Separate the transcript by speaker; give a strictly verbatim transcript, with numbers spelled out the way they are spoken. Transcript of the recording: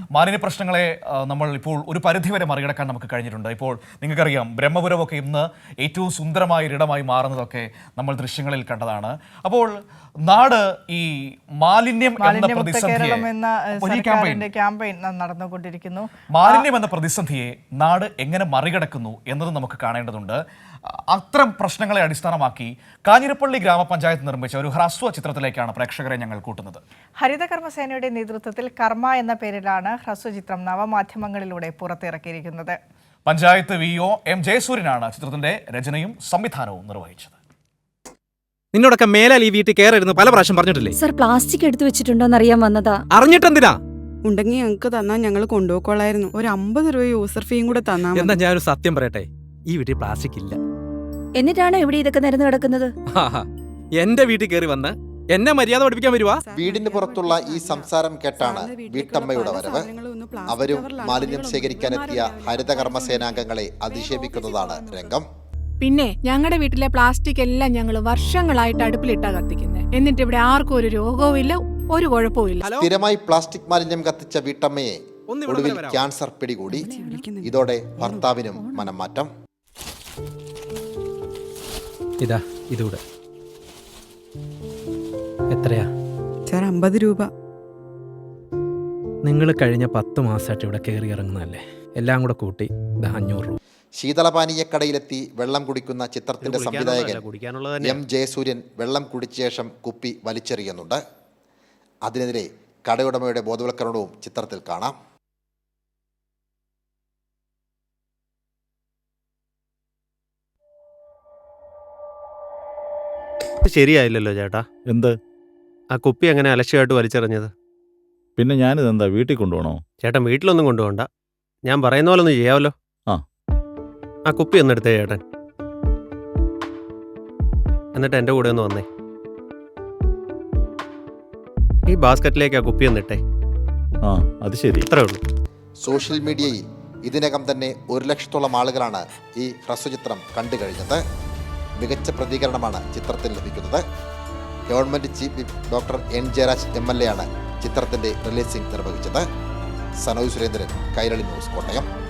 Speaker 1: മാലിന്യ പ്രശ്നങ്ങളെ നമ്മൾ ഇപ്പോൾ ഒരു പരിധിവരെ മറികടക്കാൻ നമുക്ക് കഴിഞ്ഞിട്ടുണ്ട്. ഇപ്പോൾ നിങ്ങൾക്കറിയാം, ബ്രഹ്മപുരമൊക്കെ ഇന്ന് ഏറ്റവും സുന്ദരമായ ഒരിടമായി മാറുന്നതൊക്കെ നമ്മൾ ദൃശ്യങ്ങളിൽ കണ്ടതാണ്. അപ്പോൾ നാട് ഈ മാലിന്യം എന്ന പ്രതിസന്ധിയെ
Speaker 2: നടന്നുകൊണ്ടിരിക്കുന്നു
Speaker 1: മാലിന്യം എന്ന പ്രതിസന്ധിയെ നാട് എങ്ങനെ മറികടക്കുന്നു എന്നത് നമുക്ക് കാണേണ്ടതുണ്ട്. അത്തരം പ്രശ്നങ്ങളെ അടിസ്ഥാനമാക്കി കാഞ്ഞിരപ്പള്ളി ഗ്രാമപഞ്ചായത്ത് നിർമ്മിച്ച ഒരു ഹ്രസ്വ ചിത്രത്തിലേക്കാണ് പ്രേക്ഷകരെ ഞങ്ങൾ കൂട്ടുന്നത്.
Speaker 2: ഹരിതകർമ്മസേനയുടെ നേതൃത്വത്തിൽ കർമ്മ എന്ന പേരിലാണ് ഹ്രസ്വചിത്രം നവമാധ്യമങ്ങളിലൂടെ പുറത്തിറക്കിയിരിക്കുന്നത്.
Speaker 1: പഞ്ചായത്ത് വി ഒ എം ജയസൂര്യനാണ് ചിത്രത്തിന്റെ രചനയും സംവിധാനവും നിർവഹിച്ചത്.
Speaker 3: നിന്നോടൊക്കെ മേലാൽ ഈ വീട്ടിൽ കയറരുന്ന് പല പ്രാവശ്യം പറഞ്ഞിട്ടില്ലേ?
Speaker 4: സർ, പ്ലാസ്റ്റിക് എടുത്തു വെച്ചിട്ടുണ്ടോന്ന് അറിയാൻ വന്നതാ.
Speaker 3: അറിഞ്ഞിട്ടെന്തിനാ?
Speaker 5: ഉണ്ടെങ്കിൽ ഞങ്ങൾക്ക് തന്നാ ഞങ്ങൾ കൊണ്ടുപോയിക്കോളായിരുന്നു. ഒരു അമ്പത് രൂപ യൂസർ ഫീയും കൂടെ തന്നാ.
Speaker 3: എന്താ ഞാനൊരു സത്യം പറയട്ടെ, ഈ വീട്ടിൽ പ്ലാസ്റ്റിക് ഇല്ല.
Speaker 4: എന്നിട്ടാണ് ഇവിടെ ഇതൊക്കെ നിരന്ന് കിടക്കുന്നത്?
Speaker 3: എന്റെ വീട്ടിൽ കയറി വന്ന് എന്നെ മര്യാദ പഠിപ്പിക്കാൻ വരുവാ.
Speaker 6: വീടിന് പുറത്തുള്ള ഈ സംസാരം കേട്ടാണ് വീട്ടമ്മയുടെ വരവ്. അവരും മാലിന്യം ശേഖരിക്കാനെത്തിയ ഹരിതകർമ്മ സേനാംഗങ്ങളെ അധിക്ഷേപിക്കുന്നതാണ് രംഗം.
Speaker 7: പിന്നെ ഞങ്ങളുടെ വീട്ടിലെ പ്ലാസ്റ്റിക് എല്ലാം ഞങ്ങൾ വർഷങ്ങളായിട്ട് അടുപ്പിലിട്ടാ കത്തിക്കുന്നത്. എന്നിട്ട് ഇവിടെ ആർക്കും ഒരു രോഗവും ഇല്ല, ഒരു കുഴപ്പവും ഇല്ല.
Speaker 6: സ്ഥിരമായി പ്ലാസ്റ്റിക് മാലിന്യം കത്തിച്ച വീട്ടമ്മയെ ഒടുവിൽ ക്യാൻസർ പിടികൂടി. ഇതോടെ ഭർത്താവിനും മനം മാറ്റം.
Speaker 3: ഇതാ ഇതൂടെ എത്രയാ?
Speaker 5: സാർ, അമ്പത് രൂപ.
Speaker 3: നിങ്ങൾ കഴിഞ്ഞ പത്ത് മാസമായിട്ട് ഇവിടെ കയറി ഇറങ്ങുന്നതല്ലേ, എല്ലാം കൂടെ കൂട്ടി അഞ്ഞൂറ് രൂപ.
Speaker 6: ശീതളപാനീയക്കടയിലെത്തി വെള്ളം കുടിക്കുന്ന ചിത്രത്തിന്റെ സംവിധായകൻ എം ജയസൂര്യൻ വെള്ളം കുടിച്ച ശേഷം കുപ്പി വലിച്ചെറിയുന്നുണ്ട്. അതിനെതിരെ കടയുടമയുടെ ബോധവൽക്കരണവും ചിത്രത്തിൽ കാണാം.
Speaker 8: ശരിയായില്ലല്ലോ ചേട്ടാ.
Speaker 9: എന്ത്?
Speaker 8: ആ കുപ്പി അങ്ങനെ അലക്ഷ്യമായിട്ട് വലിച്ചെറിഞ്ഞത്.
Speaker 9: പിന്നെ ഞാനിതെന്താ വീട്ടിൽ കൊണ്ടുപോകണോ?
Speaker 8: ചേട്ടൻ വീട്ടിലൊന്നും കൊണ്ടുപോകണ്ട, ഞാൻ പറയുന്ന പോലെ ഒന്ന് ചെയ്യാമല്ലോ.
Speaker 9: ആ
Speaker 8: ആ കുപ്പി ഒന്ന് എടുത്തേ ചേട്ടൻ, എന്നിട്ട് എൻ്റെ കൂടെ ഒന്ന് വന്നേ. ഈ ബാസ്ക്കറ്റിലേക്ക് ആ കുപ്പി ഒന്നിട്ടേ.
Speaker 9: ആ അത് ശരി.
Speaker 8: ഇത്രേ ഉള്ളൂ.
Speaker 6: സോഷ്യൽ മീഡിയയിൽ ഇതിനകം തന്നെ ഒരു ലക്ഷത്തോളം ആളുകളാണ് ഈ ഹ്രസ്വചിത്രം കണ്ടു കഴിഞ്ഞത്. മികച്ച പ്രതികരണമാണ് ചിത്രത്തിൽ ലഭിക്കുന്നത്. Government chief whip doctor N Jayaraj M L A ആണ് ചിത്രത്തിന്റെ റിലീസിംഗ് നിർവഹിച്ചത്. സനോജ് സുരേന്ദ്രൻ, കൈരളി ന്യൂസ്, കോട്ടയം.